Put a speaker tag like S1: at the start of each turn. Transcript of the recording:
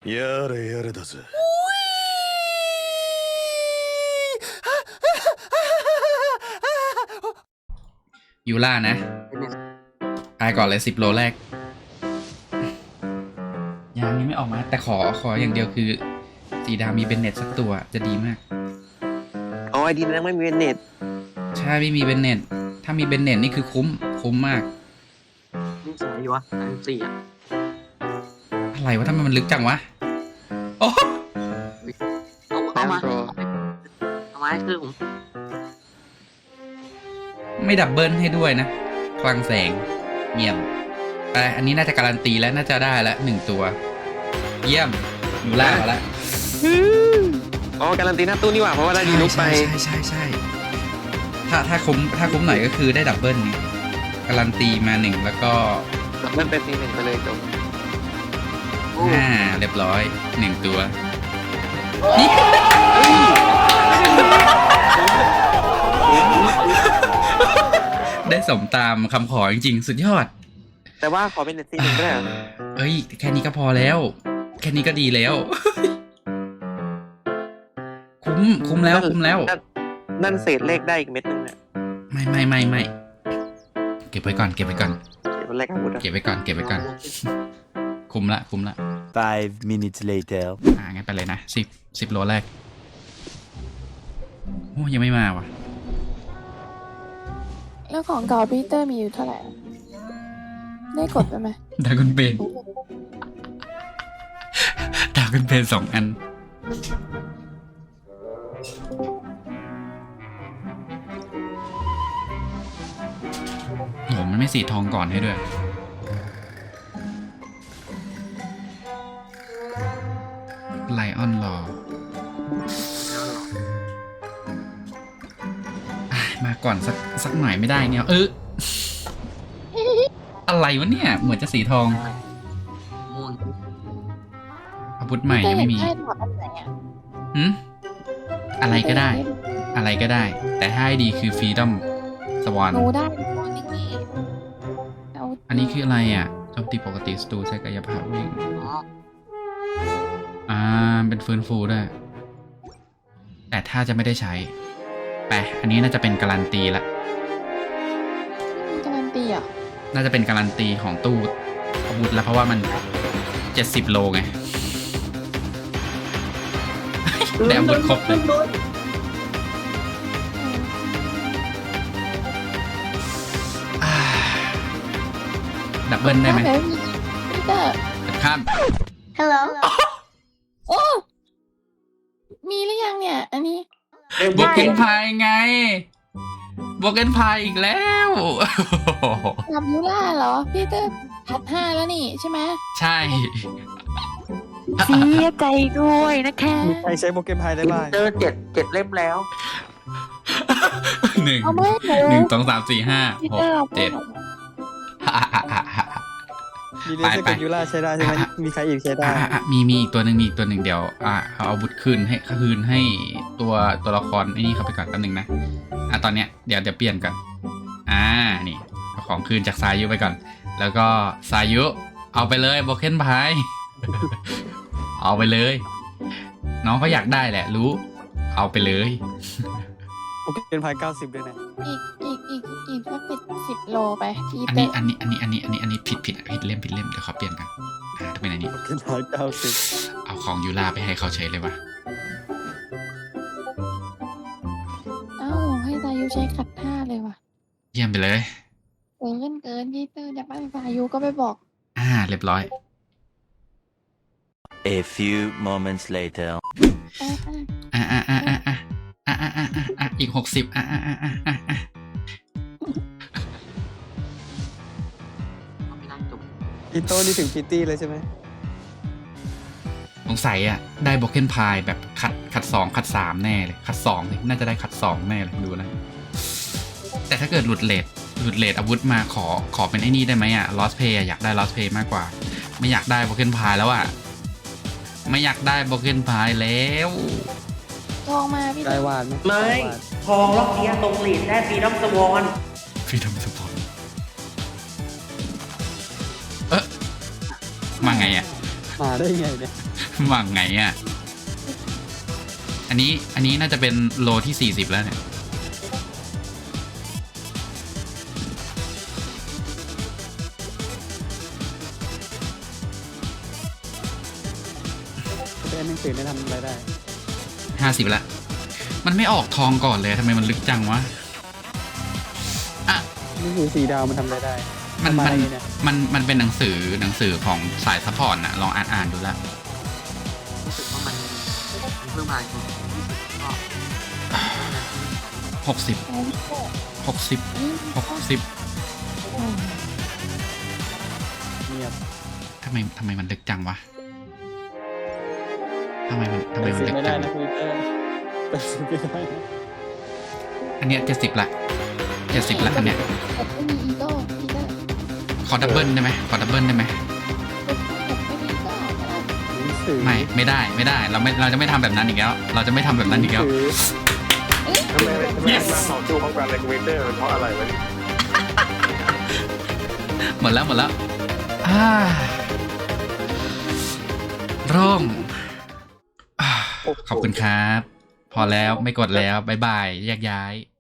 S1: やれやれだぜ。
S2: ยูล่านะตายก่อนเลย10 โลแรกยังไม่ออกมาแต่ขออย่างเดียวคือสีดำมีเบนเน็ตสักตัวจะดีมาก
S3: อ๋อไอดีนั้นไม่มีเน็ต
S2: ใช่ไม่มีเบนเน็ตถ้ามีเบนเน็ตนี่คือคุ้มมาก
S4: นี่สวยอยู่วะอันสี่อ่ะ
S2: อะไรวะทำไมมันลึกจังวะโอ้
S4: เอามาให้คือผม
S2: ไม่ดับเบิลให้ด้วยนะคลังแสงเยี่ยมแต่อันนี้น่าจะการันตีแล้วน่าจะได้ละ1 ตัว เยี่ยมยูล่ามาแล้ว
S3: อ๋อการันตีหน้าตู้นี่หว่าเพราะว่าได้ดีลุกไป
S2: ใช่ถ้าคุ้มหน่อยก็คือได้ดับเบิลนี่การันตีมา1แล้วก็
S3: มันเป็น1ไปเลยจบ
S2: เรียบร้อย1 ตัวได้สมตามคำขอจริงๆสุดยอด
S3: แต่ว่าขอเป็นเน็ตซี1ก็ได้เหรอ
S2: เอ้ยแค่นี้ก็พอแล้วแค่นี้ก็ดีแล้ว คุ้มแล้ว
S3: นั่นเศษเลขได้อีกเม็ดนึงเนี่ย
S2: ไม่เก็บไว้ก่อน
S3: เดี๋ยวมันแรกอาวุธอะ
S2: เก็บไว้ก่อนคุ้มละ
S1: 5 minutes later
S2: งั้นไปเลยนะ10 โลแรกโอ้ยังไม่มาว่ะ
S5: แล้วของเก่าพีเตอร์มีอยู่เท่าไหร่อะได้กดไปไหม
S2: ดากุนเบน2 อันโหมันไม่สีทองก่อนให้ด้วยไลออนรอมาก่อนสักหน่อยไม่ได้เนี่ยอะไรวะเนี่ยเหมือนจะสีทอง
S4: ม่วง
S2: อาวุธใหม่ยังไม่มี
S5: ได้ถอดอันไหนอ่ะ
S2: หืมอะไรก็ได้ แต่ถ้าให้ดีคือฟรีดอมสวอน
S5: หนูได้ตัวนึงนี่เอา
S2: อันนี้คืออะไรอ่ะโจมตีปกติสตูใช้กายภาพวิ่ง
S4: อ๋อ
S2: เป็นฟื้นฟูด้วยแต่ถ้าจะไม่ได้ใช้ไปอันนี้น่าจะเป็นการันตีละ
S5: ไม่มีการันตีอ่ะ
S2: น่าจะเป็นการันตีของตู้อาวุธแล้วเพราะว่ามัน70 โลไง ได้อาวุธครบเลยดับเบิลได้ไหม
S5: เดี๋ยวมีพีเตอร์
S2: ข้าม
S5: Hello โอ้มีหรือยังเนี่ย อันนี้
S2: บวกเกนพายไงบวกเกนพายอีกแล้ว
S5: กับยูล่าเหรอพีเตอร์ถัด5แล้วนี่ใช่ไหม
S2: ใช่
S6: เสียใจด้วยนะคะ
S3: มีใครใช้โปเกมอนไพได้บ้าง
S4: เจอ7 เล่มแล้ว
S2: 1
S5: เอาไม่หนู
S2: 1 2 3 4 5
S5: พีเตอร์เอา
S2: 6
S5: ไป
S2: 7
S3: มีเลเซอร์กับยูราใช้ได้ใช่ไหมมีใครอีกใช้ได้
S2: มีอีกตัวหนึ่งเดี๋ยวเอาอาวุธคืนให้ตัวละครไอ้นี่เขาไปก่อนแป๊บนึงนะตอนเนี้ยเดี๋ยวเปลี่ยนก่อนนี่เอาของคืนจากซายุไปก่อน แล้วก็ซายุเอาไปเลยโบเคนพาย เอาไปเลย น้องเขาอยากได้แหละรู้เอาไปเลย
S3: โปเกมอนไพ90ด้วยนะ
S5: อีกสัก10 โลไปพี
S2: อัน
S5: เตอ
S2: นี้
S5: ร์
S2: อันนี้ผิดเล่มเดี๋ยวขอเปลี่ยนกันถ้าเป็นอันนี้
S3: โปเกมอนไพ90
S2: เอาของยูราไปให้เขาใช้เลยวะ
S5: เอ้าให้ตายุใช้ขัด5เลยว่ะ
S2: เยี่ยมไปเลย
S5: เกินพีเตอร์อยากได้ตายุก็ไปบอก
S2: เรียบร้อย
S1: A few moments later
S2: อีก60
S4: ไม่น่าจบ
S3: อีโต้นี่ถึงพิตตี้เลยใช่ไหม
S2: สงสัยได้โบเคนพายแบบขัด2ขัด3แน่เลยขัด2เลยน่าจะได้ขัด2แน่เลยดูนะแต่ถ้าเกิดหลุดเลทอาวุธมาขอเป็นไอ้นี่ได้ไหมลอสเพย์อยากได้ลอสเพย์มากกว่าไม่อยากได้โบเคนพายแล้วไม่อยากได้โบเคนพายแล้ว
S5: ทองมาพี่เต
S3: ได้
S5: อร์
S3: วาดไหม
S4: ไม่ทองล็อกเนี้ยตรงหลีดได้ฟรีดอมสวอน
S2: ฟรีดอมสปอร์ตมาไง
S7: มาได้ไงเนี่ย
S2: หวังไงอ่ะ อันนี้น่าจะเป็นโลที่40แล้วเนี่ย
S7: เป็นหนังสือไม่ทำอะไรได้
S2: 50ละมันไม่ออกทองก่อนเลยทำไมมันลึกจังวะอ่ะ
S7: หนังสือสีดาวมันทำอะไรได้
S2: มัน
S7: ทำ
S2: มัน
S7: อะไรเนี่ย
S2: มันเป็นหนังสือของสายซัพพอร์ตนะลองอ่านดูละ
S3: รู้สึกว่ามันเพิ่มมาอีกก็
S2: 60
S5: ไอ้พี่โก้
S2: 60
S7: เงียบ
S2: ทำไมมันลึกจังวะทำไมมัน
S7: แต่
S2: ลึ
S7: ซื้อก ไม่ได้
S2: จัง
S7: นะคุยเตอร์แต่ซื้อไม่ได้นะ
S2: อันเนี้ย70ละอันเนี้ย
S5: แบบไม่มีอีโต้พี่ก็
S2: ขอดับเบิลได้ไหมขอดับเบิลได้ไหม
S5: แบบไม่มีอีโต้ก็ได้
S7: หนังสือ
S2: ไม่ได้เราจะไม่ทำแบบนั้นอีกแล้วเราจะไม่ทำแบบนั้นอีกแล้ว
S7: หนังสื
S8: ทำไมมาต่อสู้พร้อมกันในคอมพิวเตอร์เพราะอะไรวะเนี่ย
S2: หมดแล้วโร่งขอบคุณครับ พอแล้วไม่กดแล้วบ๊ายบายแยกย้าย